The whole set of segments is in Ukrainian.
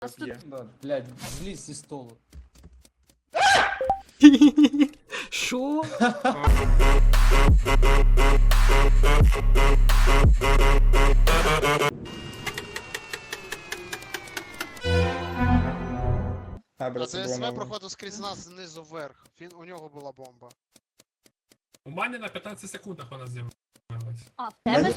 Нас тут... Да, блядь, злізь зі столу. Що? А це ДСВ було проходив скрізь нас знизу вверх. У нього була бомба. У мене на 15 секундах вона з'явилась. А, в тебе?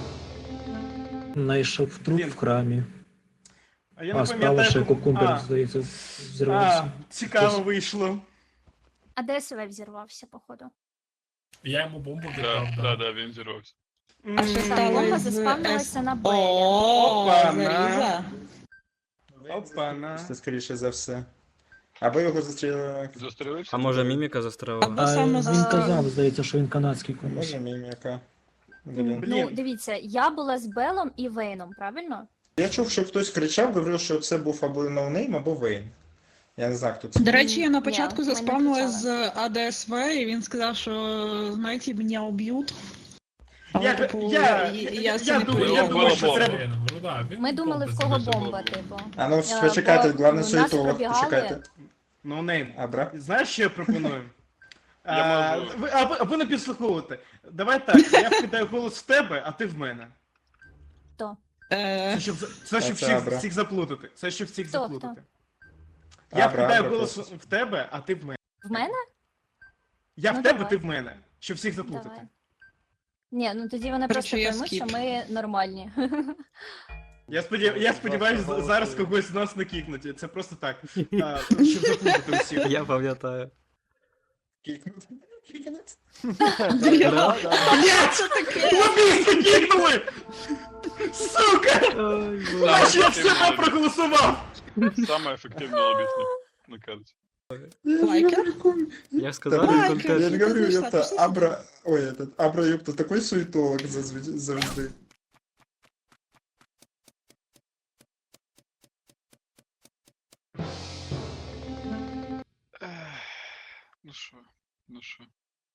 Знайшов труп в храмі. А я не А справа ще пам'ятаю. кукумбер, здається, взірвався. Цікаво вийшло. А ДСВ взірвався, походу. Я йому бомбу віддав. Да, він зірвався. А що та бомба заспавнилася на Белі. Опана. Опана. Це скоріше за все. Або його застрілили. Застрілився? А може міміка застрелила? А він казав, здається, що він канадський комусь. Може міміка. Блін. Ну, дивіться, я була з Белом і Вейном, правильно? Я чув, що хтось кричав, говорив, що це був або ноунейм, або Вейн. Я не знаю, хто це. До речі, я на початку Ні, ми не заспавнила кричали. з АДСВ, і він сказав, що, знаєте, мене уб'ють. Я думаю, що треба... Ну, да, він Ми думали, в кого бомба, типу. А ну, Бо, почекайте, головне нас суєтолог, пробігали. почекайте. Ну, нейм. Абра? Знаєш, що я пропоную? Я можу. Або не підслуховувати. Давай так, я вкидаю голос в тебе, а ти в мене. Хто? Це щоб Це всіх, Абра. всіх заплутати. Це щоб всіх Хто, заплутати. Я Абра, вкидаю Абра голос просто. в тебе, а ти в мене. В мене? Я Ну, в тебе, давай. ти в мене. Щоб всіх заплутати. Давай. Ні, ну тоді вони Короче, просто я поймуть, що скіп. ми нормальні. Я сподіваюся, зараз когось з нас не кікнуть. Це просто так. Щоб заплутати всіх. Я пам'ятаю. Кікнути. Кікнути. Що таке? Лобісти кікнули! Сука! А ще я все проголосував! Саме ефективний лобісник на карті. Лайкер? Я ж Да, сказав, блин, він я контент. не говорю, Пішла, ёпта, пішла. Абра... Ой, этот, Абра, ёпта, такой суетолог завжди. Ну що?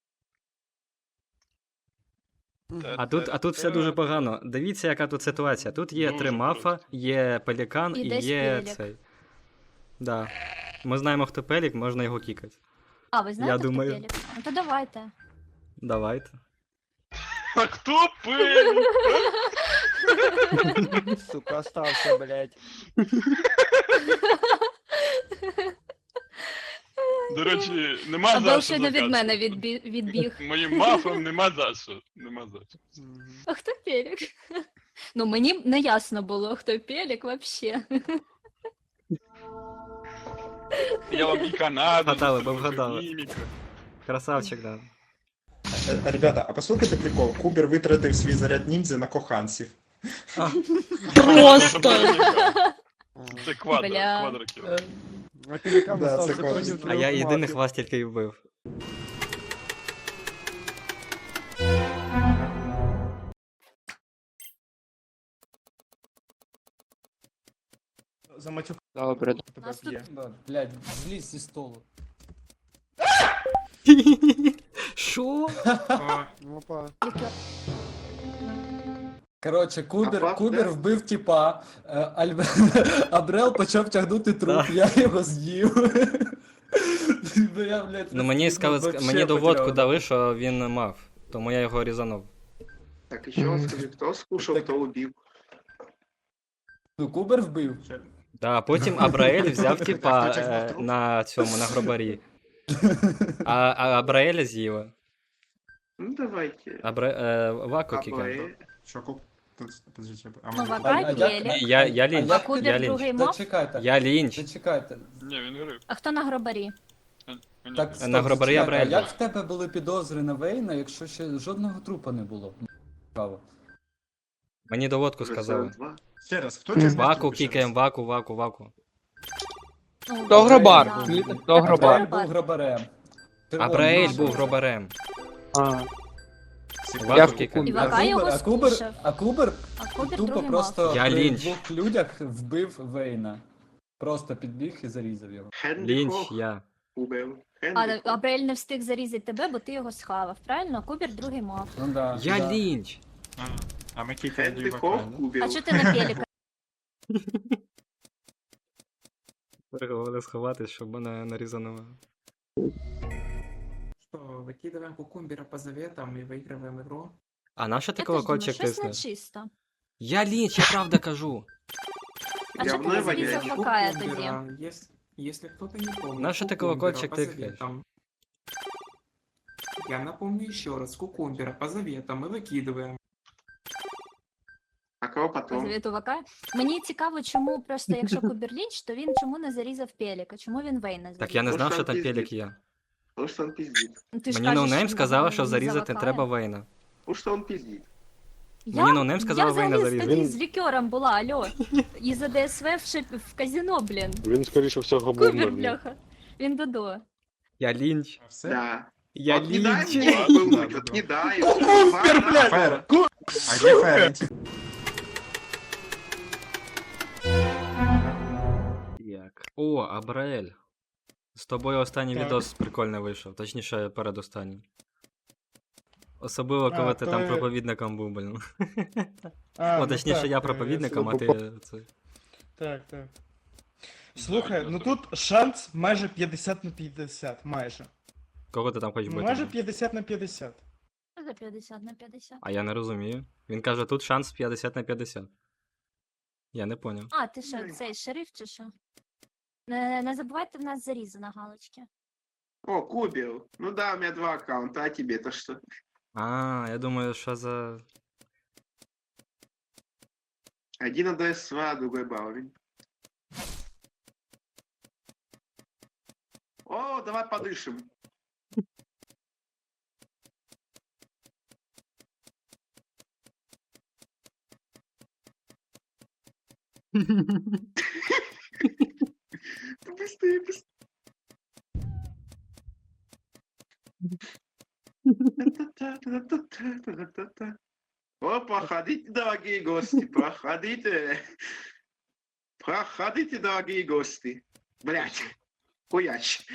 А тут все дуже погано. Дивіться, яка тут ситуація. Тут є Дуже 3 мафа, просто. є пелікан І і десь є Пелік. цей. Да. Ми знаємо, хто пелік, можна його кікати. А, ви знаєте, хто думаю. Пелік? Ну то давайте. Давайте. А хто пив? Сука, остався, блядь. До речі, нема А за Бел що ще не від закатувати. мене відбіг. Моїм мафом нема за що. Нема за що. А хто Пелік? Ну мені не ясно було, хто Пелік вообще. Я вам і Канаду. Вгадали, застрелив, вгадали. і міміка. Красавчик, да. Ребята, а послухайте прикол. Кубер витратив свій заряд ніндзя на коханців. Просто! Це квадро, Бля. квадрокіл. А пелікан Да, став це законів класно. А трьох я єдиних мафів. вас тільки й вбив. За матюк Добре. тебе Нас тут- б'є. Да, блядь, злізь зі столу. Що? Опа. Коротше, Кубер вбив тіпа, Абрел почав тягнути труп, Да. я його з'їв. Ну, я, блядь, Ну мені вообще мені доводку потеряв. дали, що він мав. Тому я його різанув. Так, і що, скажи, хто скушав, хто убив? Ну, Кубер вбив. Да, потім Абраель взяв типа Хто тягнув труп? на цьому, на гробарі. А Абраеля з'їла. Ну, давайте. Вако кікав. Що, Куб? Подождите, Ну, А Вака і як- Пелік. Я лінч. А Кубер Я лінч. другий мав? Зачекайте, Я лінч. зачекайте. Ні, він грив. А хто на гробарі? Мені Так, грив. стоп, На гробарі зачекайте, Абрель а як був. в тебе були підозри на Вейна, якщо ще жодного трупа не було? Цікаво. Мені доводку сказали. Ще раз, хто Ваку кікаємо, ваку. Ну, Хто гробар? Абрель, да. Хто гробар? Абрель був гробарем. Абраель О, був ну, гробарем. А. Ваку Я кікаємо. І Вака його А Кубер, скушав. а Кубер А Кубер тупо другий просто мав. Я при лінч. двох людях вбив Вейна. Просто підбіг і зарізав його. Лінч я. А Абрель не встиг зарізати тебе, бо ти його схавав, правильно? Кубер другий мав. Ну да. Я да. лінч. А ми кікаємо А чого ти на Пеліка? Переговори сховатись, щоб мене нарізано. Что, выкидываем кукумбера по заветам и выигрываем игру? А на що ти Я теж думаю, колокольчик щось тиснеш? нечисто. Я лінч, я правда кажу. А чого ти не зарізав И Вакая тоді? кукумбера, Если кто-то не помнит, На что ты кукумбера колокольчик по тыкаешь? заветам. Я напомню еще раз, кукумбера по заветам мы выкидываем. А кого По потом? завіту Вакая? Мені цікаво, чому просто якщо Кубер Лінч, то він чому не зарізав Пеліка? Чому він Вейна зарізав? Так я не знав, Потому що що там пиздить. пелік є. Потому что он пиздит. Ну, ти ж Мені кажеш, ноунейм що сказала, він що за зарізати Вакая. треба Вейна. Потому что он пиздит. Мені ноунейм сказала я Вейна взагалі зарізати. тоді з лікером була, алло. І за ДСВ в казино, блін. Він, скоріше всього, Кубер, бомберний. бляха. Він додо. Я лінч. Все? Да. Я Вот не дай лінч. мне пылнуть, вот не дай. Кубер, блядь! А где Ференти? Як? О, Абраель. З тобою останній Так. відос прикольний вийшов, точніше, передостанній. Особливо, коли А, ти то там є- проповідником був, блін. А, О, ну точніше, так, я я проповідником, а собі ти це. Так, так. Слухай, ну тут шанс майже 50 на 50, майже. Кого ти там хочеш бити? Майже 50 на 50. Що за 50 на 50? А я не розумію. Він каже, тут шанс 50 на 50. Я не поняв. А, ти що, цей шериф чи що? Не забувайте в нас зарізи на галочки. О, Кубер. Ну да, у меня 2 аккаунта, а тебе-то что? А, я думаю, що за. Один на ДСВ, а другой Баурин. О, давай подышим. Быстрее, быстрее. О, проходите, дорогие гости, проходите. Проходите, дорогие гости. Блять, хуяч.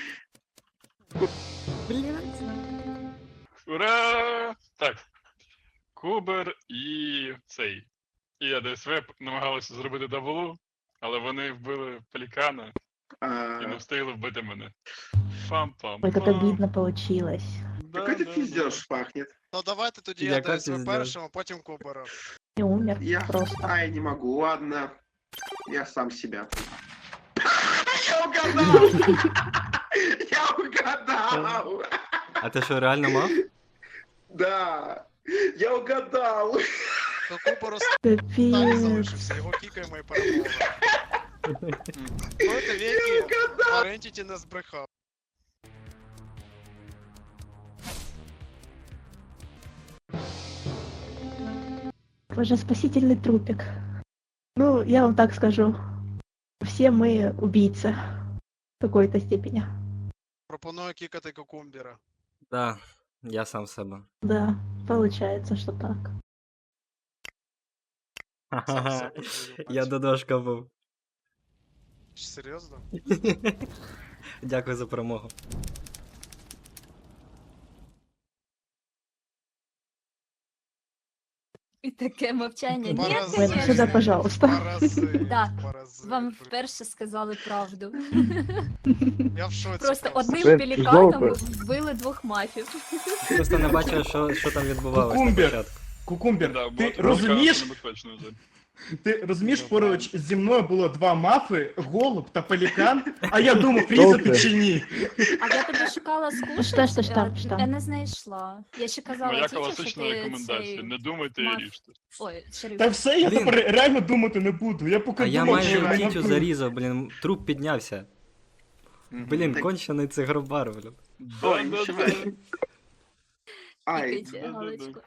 Ура! Так. Кубер і цей. І АДСВ намагалися зробити даблу, але вони вбили пелікана і не встигли вбити мене. Фам-пам. Ой, как обидно получилось. Какой ты пиздеж пахнет. Ну давайте тоді Яка я ДСВ пиздеж? першим, а потім Кубера. И умер Я... просто. А, я не могу, ладно. Я сам себя. Я угадал! Я угадал! А ти що, реально мав? Да! Я угадал! То Куберу там Капец. залишився, його кікаємо і перемога. Проти віки Ферентіті не збрехав. Боже, спасительный трупик. Ну, я вам так скажу. Все мы убийцы. В какой-то степени. Пропоную кікати Кукумбера. Да, я сам себе. Да, получается, что так. Сам себе твою Я мать. додошка був. Серйозно? Дякую за перемогу. І таке мовчання. Ні, Паразит. Вен, сюда, пожалуйста. Паразит, Да. паразит. Вам вперше сказали правду. Я в шоці. Просто одним Це пеліканом вбили 2 мафів. Просто не бачив, що там відбувалося на Кукумбер. початку. Кукумбер, Да, ти було розумієш, небезпечно вже. ти розумієш, поруч зі мною було 2 мафи, голуб та пелікан, а я думав, різати чи ні. А я тобі шукала скушать, Що? я не знайшла. Я ще казала Моя Тіті, що класична ти рекомендація. цей... Не думайте і мав- ріжте. Ой, шериф. Та все, я Блін. тепер реально думати не буду. Я поки А я думав, майже що в мене тітю вбили. зарізав, блін, труп піднявся. Блін, Так. кончений цигробар, блін. Ой, ничего. Ай, Тикайте галочку.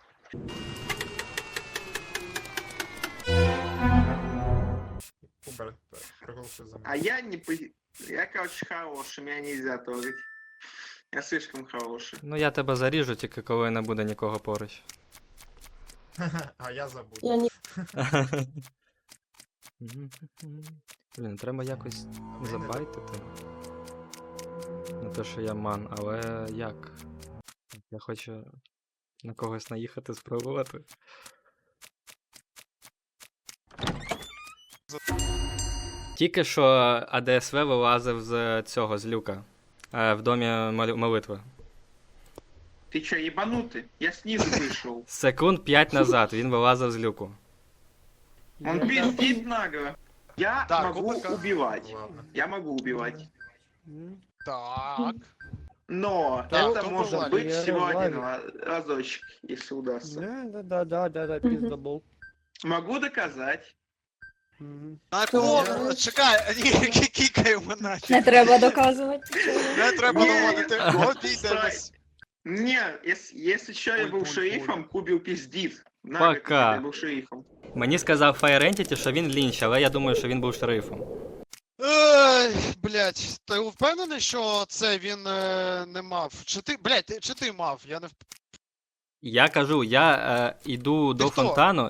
Кубер, проголосуй за мене. а я не... Я, короче, хороший, меня нельзя трогать. Я слишком хороший. Ну я тебе заріжу, тільки коли не буде нікого поруч. А я забув. Блін, треба якось забайтити. Не те, що я ман, але як? Я хочу на когось наїхати, спробувати. Тільки що АДСВ вилазив з цього, з люка. В домі молитви. Ты чё, ебанутый? Я снизу вышел. Секунд 5 назад він вилазив з люку. Он пиздит нагло. Я Так, могу опа-ка. убивать. Ладно. Я могу убивать. Так. Но Так, это кто может был быть Я всего один Владик. разочек, если удастся. Да, пиздобол. Могу доказать. На кого? Чекай, ні, кікаємо Не нафіг. треба доказувати. Не треба Ні. доводити. Обійдемось. Не, если что, я был Ой, шерифом, Кубил пиздит. Пока. Я был шерифом. Мені сказав Fire Entity, що він лінч, але я думаю, що він був шерифом. Ой, блядь, ти впевнений, що це він не мав? Чи ти, блядь, чи ти мав? Я не Я кажу, я йду до хто? фонтану,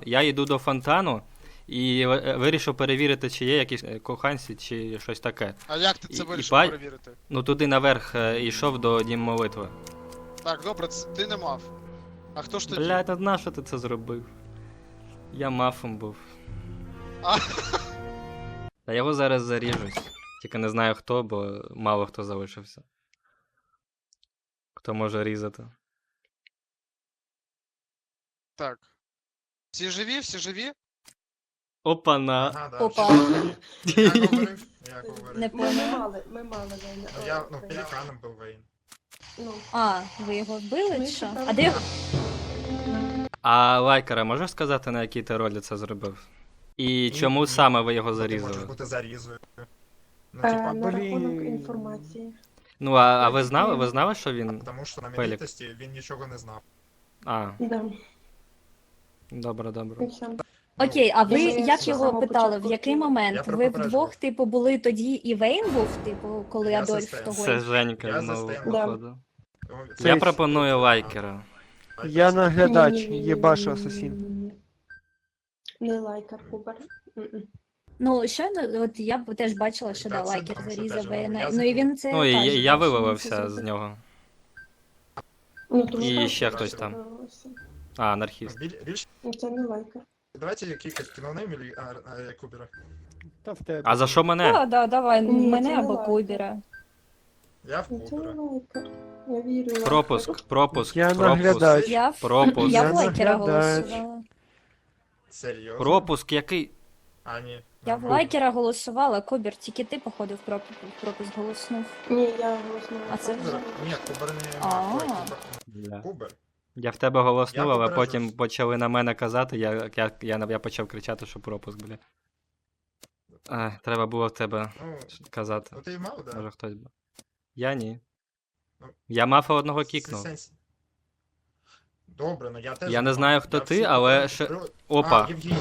і вирішив перевірити, чи є якісь коханці, чи щось таке. А як ти це І вирішив ба- перевірити? Ну туди наверх йшов до Дім молитви. Так, добре, ти не мав. А хто ж тоді? Блядь, а нащо ти це зробив? Я мафом був. А. Та його зараз заріжуть. Тільки не знаю хто, бо мало хто залишився. Хто може різати. Так. Всі живі, всі живі? Опана. Ага, да. Опа. Я говорив, я говорив. Не поняла. Ну, пеліканом був Вейн. А, ви його вбили чи що? А де його? А Лайкера, можеш сказати, на якій ти ролі це зробив? І чому саме ви його Ти можеш зарізали? бути зарізою. Ну, типа, інформації. Ну, а ви знали? Ви знали, що він. тому що на Пелік. мілітості він нічого не знав. А, Да. добре. Окей, а ви Я як з його самого питали? В початку який Я момент? про Ви попередження. вдвох, типу, були тоді і Вейн був, типу, коли Я за Адольф Стен. того. Це Женька Я знову, за Стена. походу. Ну, Я Це- пропоную Лайкера. Я наглядач, єбашу асасін. Не лайкер, Кубер. Ну, щойно, от я б теж бачила, що Так, да, це Лайкер тому, що зарізав теж, Вейна. я Ну і він це Ну, і каже, я да, що він вивалився це з зробив. нього. Ну, І ще хтось там. А, анархіст. Більш... Це не лайкер. Давайте кікать кінонейм или Кубера. Та в тебе. А за що мене? Да, давай, Ні, мене це не або лайкер. Кубера. Я в Кубера. лайкер. Я вірю. Пропуск, Я наглядач. Я в пропуск. я Я в Лайкера наглядач. голосувала. Серйозно? Пропуск який? А, ні. Я в Лайкера голосувала, Кубер, тільки ти, походу, в пропуск голоснув. Ні, я голосну. А це Кубер? Ні, Кубер не... А. Ой, Кубер. Бля. Кубер. Я в тебе голоснув, Я але попереджу. потім почали на мене казати, я почав кричати, що пропуск, бля. Треба було в тебе Ну, казати. ну ти мав, да? Може хтось би. Я ні. Ну, Я мафа одного кікнув. Сенс. Добре, ну я теж... Я не мав. знаю, хто Я ти, всі але питання ще- закрив. Опа. А, Євгеній.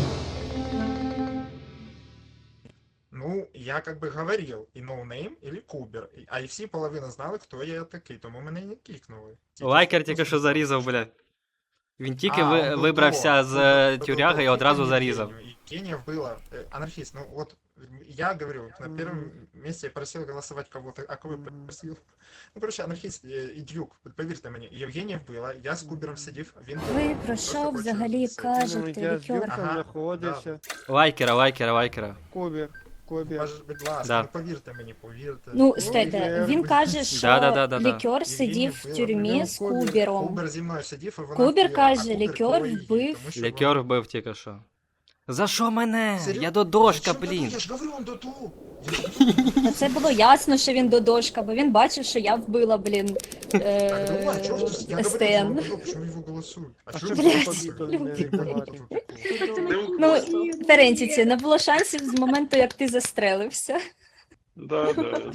Ну, я как бы говорил, и ноунейм, или Кубер. А и всі половина знали, хто я такий, тому мене і не кікнули. Лайкер тільки що зарізав, бля. Він тільки А, ну, вибрався то, з то, тюряги і то, одразу то, зарізав. Евгению. Евгения вбила анархист. Ну вот, я говорю, на первом месте я просил голосовать кого-то, а кого я просил? Ну, короче, анархист і Дюк, повірте мені, Євгенія вбила, я з Кубером сидів, він... Ви про що взагалі Ну, кажете, я з Лікер? Дюком Ага, знаходився. Лайкера. Кубер. Будь ласка, Да. ну повірте мені, повірте. Ну, Ну, стойте, Євген. він каже, що Да-да-да-да-да. Лікер сидів в Євгеній тюрмі вбила. з Кубером. Кубер зі мною сидів, і вона Кубер вбила, каже, а Кубер Лікер коло її, вбив. тому що Лікер вона- вбив тільки що. За що мене? Серйозно? Я додошка, Зачем блін. ти? Я ж говорю, он доту. Та це було ясно, що він додошка, бо він бачив, що я вбила, блін, Так, давай, чого ж ти? Я говорю, Стен. почему его голосуют? А А чого що ви Блядь, голосуєте? люди. Ну, Ферентіці, не було шансів з моменту, як ти застрелився. Да.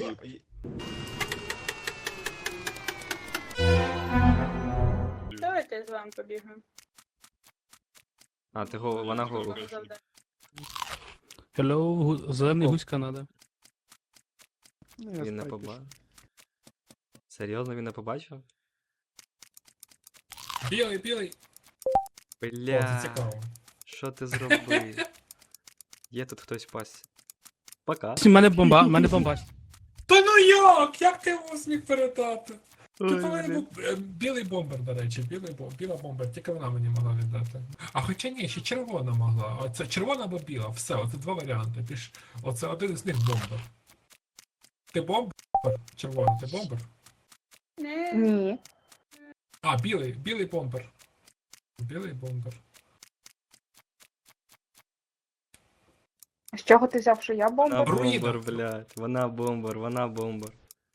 Давайте я з вами побігну. А, вона голу. Hello, зелений гусь Канада. Ну, я Він не спать побачив. Серйозно, він не побачив? Білий. О, це Бля, цікаво. що ти зробив? Є тут хтось пасся. Пока. Мене бомба. Та ну як? Як ти його зміг передати? Тут, по-моєму, білий бомбер, до речі, біла бомбер, тільки вона мені могла віддати. А хоча ні, ще червона могла. Оце червона або біла, все, оце два варіанти. Оце один із них бомбер. Ти бомбер? Червона, ти бомбер? Ні. А, білий бомбер. Білий бомбер. З чого ти взяв, що я Вона бомба? бомбер, блядь. Вона бомбер, вона бомбер.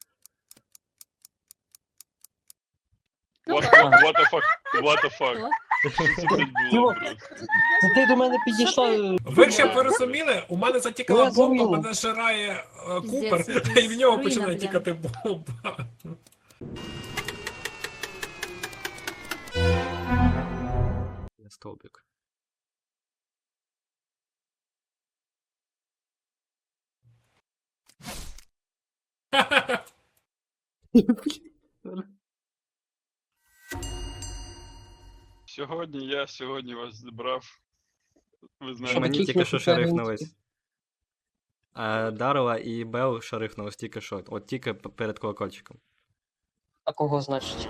What the fuck? What the fuck? Що це блядь, було просто? Ти до мене підійшла. Ви ще ви розуміли, у мене затікала Я бомба, зрозумів. мене жирає Піздець, Купер, якийсь. і в нього Руїна, починає блін. тікати бомба. Я стовбик. Сьогодні вас зібрав. Ви Що знаєте, мені таких тільки що офіцерів шарифнулись. А Дарова і Бел шарифнулись тільки що. От тільки перед колокольчиком. А кого значить?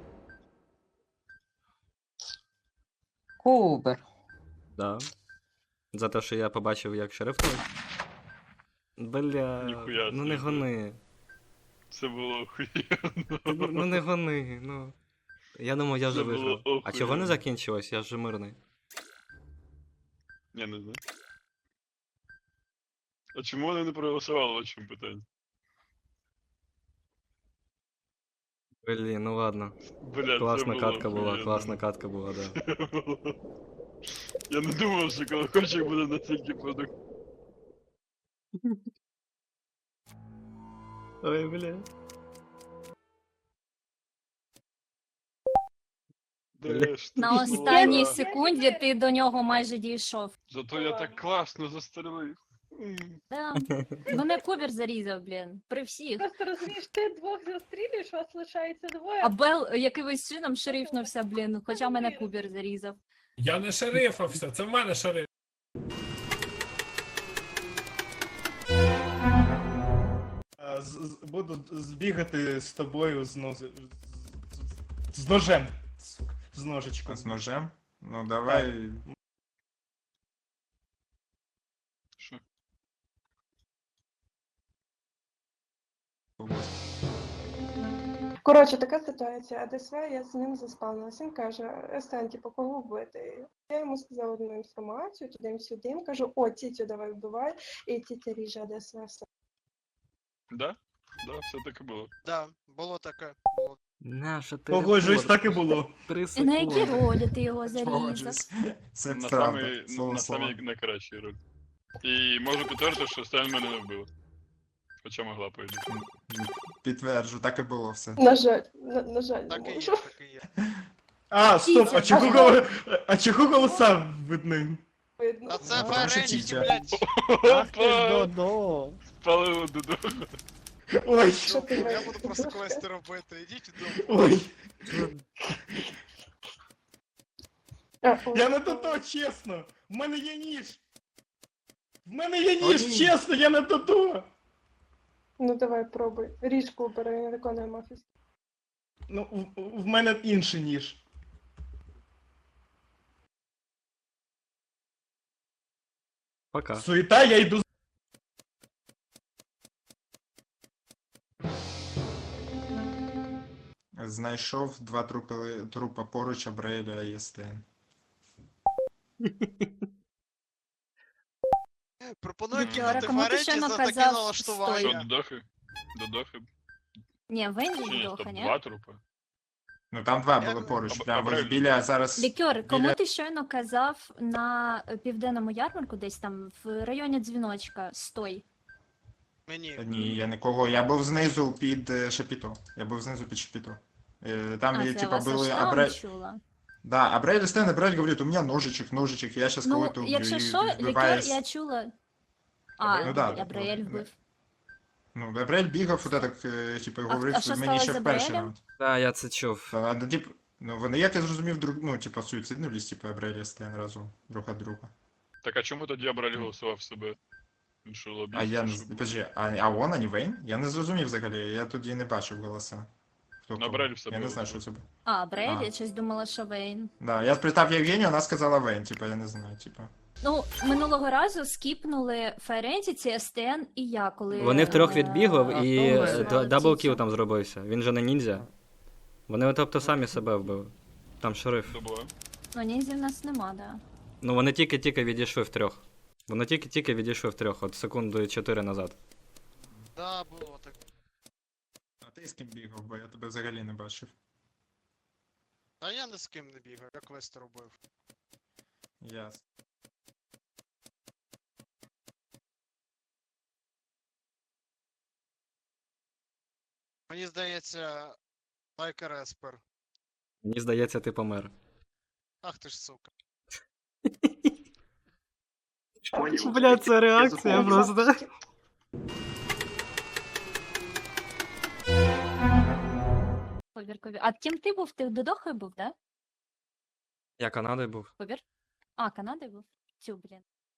Кубер. Да. За те, що я побачив, як шарифнулись. Бля, Ніхуя ну не собі. гони. це було охуєнно. Ну не гони, ну. Я думав, я вже Це було виграв. А охуєнно. чого не закінчилось? Я ж мирний. Я не знаю. А чому вони не проголосували, в чому питання? Блін, ну ладно. Бля, Класна це катка було була, охуєнно. класна катка була, да. Я не думав, що колокольчик буде настільки продукт. Ой, бля. Де ж ти На була? останній секунді ти до нього майже дійшов. Зато я так класно застрелив. Да. Мене Кубер зарізав, блін. При всіх. Просто розумієш, ти двох застрілюєш, вас лишається двоє. А Бел якимось чином шерифнувся, блін, хоча мене Кубер зарізав. Я не шерифався, це в мене шериф. Буду збігати з тобою з ножем. Сука, з ножичком. С ножем? Ну давай. Що? Коротше, така ситуація. АДСВ, я з ним заспавнилася. Він каже, Естен, типу, кого вбити? Я йому сказала одну інформацію, туди-сюди. Кажу, о, тітю давай вбивай, і тітя ріже АДСВ. Все. Да? Да, все так і було. Да, було таке. Наша ти. Погоджуюсь, так і було. 3 І на які секунди. ролі ти його зарізав? Погоджуюсь. Це На правда. самий, Слово на слово. самій найкращій роль. І можу підтвердити, що Сталін мене не вбила. Хоча могла, по ідеї. Підтверджу, так і було все. На жаль, на жаль, не Так і є, можу. так і є. А, стоп, а чого голоса видно? Видно. А це Ну, тому що ференчики, тітя. блядь. Ах ти ж Опа! додо. Спалило дуду. Ой, Що ти Я маєш? буду просто квести робити. Ідіть додому. ой. Ой. Я не то, чесно. В мене є ніж. В мене є ніж, Ой. чесно, я не то. Ну давай, пробуй. Ріж Кубера, він виконує мафію. Ну, в мене інший ніж. Пока. Суєта, я йду. Знайшов два трупа поруч Абреля і Естен. Пропоную Вікторе, кинути кому ти ференчі щойно за таке казав, Що, налаштування. додохи? Додохи? Ні, Венді Чи ні, вдоха, стоп, ні? два трупи? Ну там два Я- були поруч. Аб- Прямо ось Абрель. біля зараз. Лікер, кому біля- ти щойно казав на південному ярмарку, десь там в районі дзвіночка, стой. Мені. Ні, я нікого. Я був знизу під Шапіто. Я був знизу під Шапіто. Там, А, це типа, вас были аж там Абрель... чула. Да, Абрель и Стэн, Абрель говорит, у меня ножичек, я сейчас Ну, кого-то убью. якщо и що, Лікер, вбиваюсь. я чула. Абрель? А, Ну да, Абраель ну, вбив. Ну, Абрель бігав, от так, типу, А говорив, що мені ще сталося з в перший Абрелем? раунд. Так, я це чув. А, ну, тип, ну, вони, як я зрозумів, ну, типу, суїциднулись, типу, Абрель і Стен разом, друг від друга. Так а чому тоді Абраль голосував себе? Він що, лобіст? А я не, Що було? подожди, а он, а не Вейн? Я не зрозумів взагалі, я тоді не бачив голоса. хто На кого. Брелі все Я не було. знаю, що це було. А, Брель, А. я щось думала, що Вейн. Да, я спитав Євгенію, вона сказала Вейн, типа, я не знаю, типа. Ну, минулого разу скіпнули Файрентіці, СТН і я, коли... Вони втрьох відбігли А і хто ви? даблкіл там зробився. Він же не ніндзя. Вони тобто самі себе вбили. Там шериф. Добре. Ну, ніндзі в нас нема, да. Ну вони тільки відійшли втрьох. Вони тільки відійшли втрьох, от секунду 4 назад. Да, було так. А ти з ким бігав, бо я тебе взагалі не бачив. А я ні з ким не бігав, я квести робив. Ясно. Мені здається, Лайкер Еспер. Мені здається, ти помер. Ах ти ж сука. Бля, це реакція просто. Ковір. А ким ти був? Ти Додохою був, да? Я Канадою був. Ковір? А, Канадою був? Цю, блін.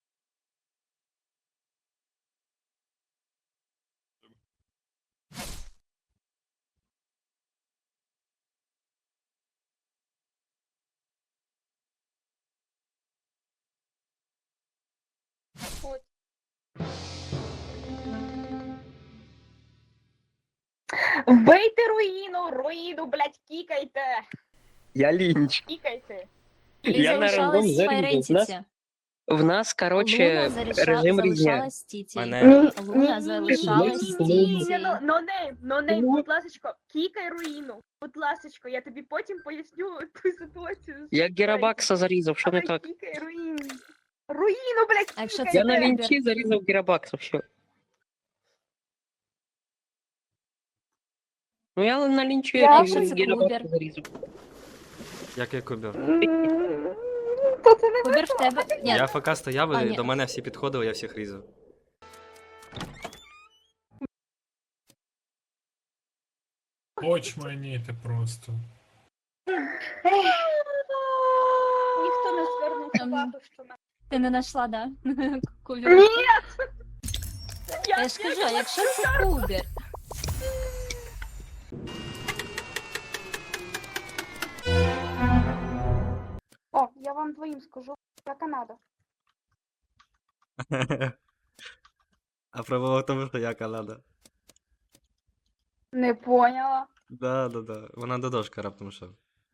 Вбийте руїну, блядь, кікайте, Я лінч. кікайте. Ліза лишалась з Файрентіці. В нас, короче, режим різня. залишалась Тіті. Мене- Луна залишалась Тіті. Нонейм, будь ласочко, кікай руїну. Будь ласочко, я тобі потім поясню ту ситуацію. Я Герабакса зарізав, що не Давай, так? Кікай руїну. Руїну, блядь, А якщо кікайте. це Я на Кубер? лінчі зарізав Герабакса, все. Ну я на лінчі Я що це Герабакса Кубер? зарізав. Який Кубер? То це не Кубер в тебе? Ні, Я ФК стояв А, і ні. до мене всі підходили, я всіх різав. Очманіти просто. Ніхто не звернув Ем, увагу, що на... ти не знайшла, да? Кубер. Ні! Я ж кажу, а якщо це Кубер? О, я вам двоїм скажу, я Канада. А проблема в тому, що я Канада. Не поняла. Да. Вона до дошка раптом що.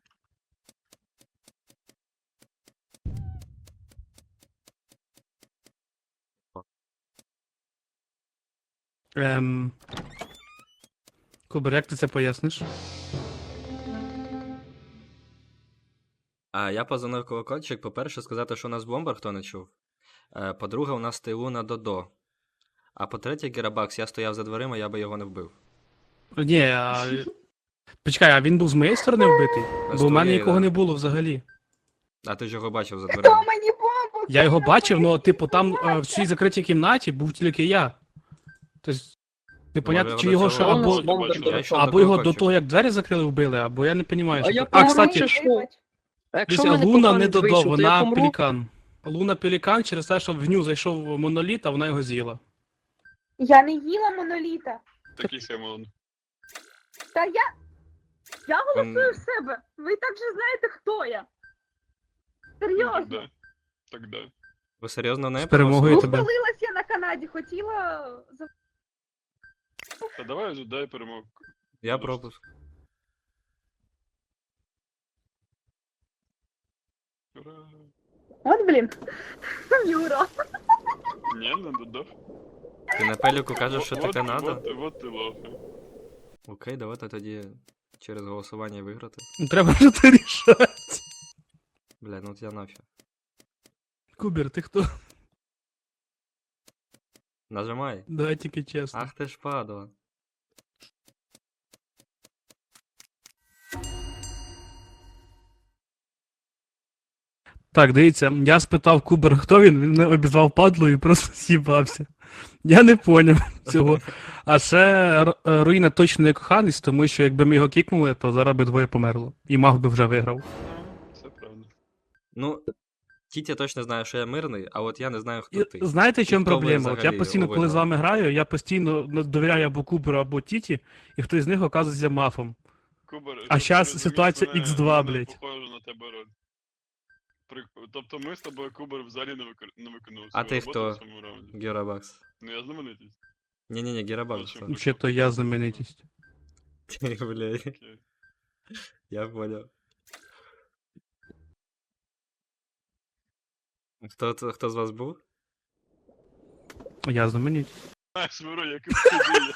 Кубер, як ти це поясниш? А я позвонив колокольчик, по-перше, сказати, що у нас бомбар, хто не чув. По-друге, у нас тилу на Додо. А по-третє, Герабакс, я стояв за дверима, я би його не вбив. Ні, почекай, а він був з моєї сторони вбитий? З Бо в мене твоєї, нікого да. не було взагалі. А ти ж його бачив за Хто дверима. мені бомбу? Я його бачив, але типу там в цій закритій кімнаті був тільки я. Тобто, непонятно, чи його ще цього або, Я йшов або його до колокольчика. того, як двері закрили, вбили, або я не розумію. А я А, помру, кстати, чи що? А якщо в дивіться, мене Луна не коханець Додо, вийшов, то я вона помру? Пелікан. Луна Пелікан через те, що в ню зайшов моноліт, а вона його з'їла. Я не їла моноліта. Такий Семон. Та я голосую Ем. в себе. Ви так же знаєте, хто я. Серйозно. Да. Так да. Ви серйозно не З перемогою тебе. Ухвалилась я на Канаді, хотіла... Та давай вже дай перемогу. Я пропуск. Ура. От, блін. Юра. Ні, не додав. Ти на пеліку кажеш, що ти Канада? Вот ти лохи. Окей, давайте тоді через голосування виграти. Ну, треба ж це рішати. Бля, ну от я нафіг. Кубер, ти хто? Нажимай. Давай тільки чесно. Ах ти ж падла. Так, дивіться, я спитав Кубер, хто він мене обізвав падлою і просто з'їбався. Я не поняв цього. А ще Руїна точно не коханець, тому що якби ми його кікнули, то зараз би двоє померло. І маг би вже виграв. Це правда. Ну, Тітя точно знає, що я мирний, а от я не знаю, хто І ти. знаєте, в чому хто ви проблема? От я взагалі постійно, коли з виграли? вами граю, я постійно довіряю або Куберу, або Тіті, і хтось з них оказується мафом. Кубер, А щоб щас ти розумів, ситуація мене- X2, мене блядь. похоже на тебе роль. Тобто ми з тобою Кубер взагалі не виконували А свою ти роботу хто? в цьому раунді. Герабакс. Ну я знаменитість. Ні-ні-ні, Герабакс. Ну, Чи то я знаменитість. Блядь. Окей. Я понял. Хто з вас був? Я знаменитість. Знаєш, Миро, як і в суді.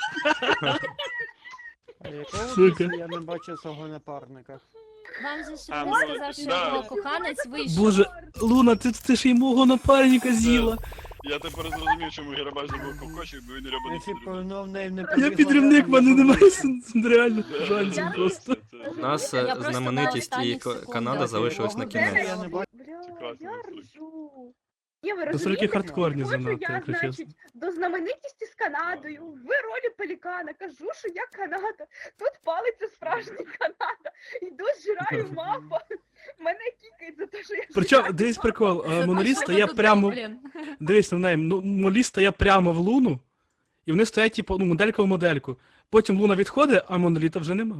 А якого Сука. біса я не бачив свого напарника? Вам же ж А, він ну, сказав, що да. його коханець вийшов. Боже, Луна, ти ж й мого напарника з'їла. Я тепер зрозумів, чому Герабаш забув ковкочик, бо він не любить Якщо б підтримувати. в неї не Я побігла, підривник, в мене я б немає вийшов. реально Да, шансів да, просто. це- У нас Я просто на знаменитість і останніх секундах Канада залишились на його кінець. Я не бачу. Бля, Класно, я класно. ржу. Ні, ви Це розумієте? тільки хардкорні Ходжу занадто, я, якщо чесно. значить, до знаменитісті з Канадою, в ролі пелікана, кажу, що я Канада. Тут палиться справжній Канада. Йду, зжираю мапа. Мене кікають за те, що я Причому, зжираю дивись мапа. прикол, За моноліт те, що стає ви тут, прямо, блін. дивись на неї, моноліт стає прямо в Луну, і вони стоять, типу, ну, моделька в модельку. Потім Луна відходить, а моноліта вже нема.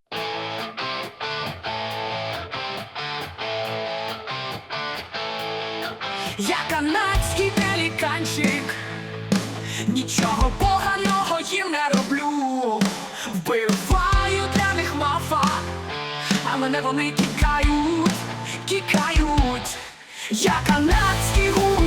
Я канадський пеліканчик, нічого поганого їм не роблю. Вбиваю для них мафа, а мене вони кікають. Я канадський гусь.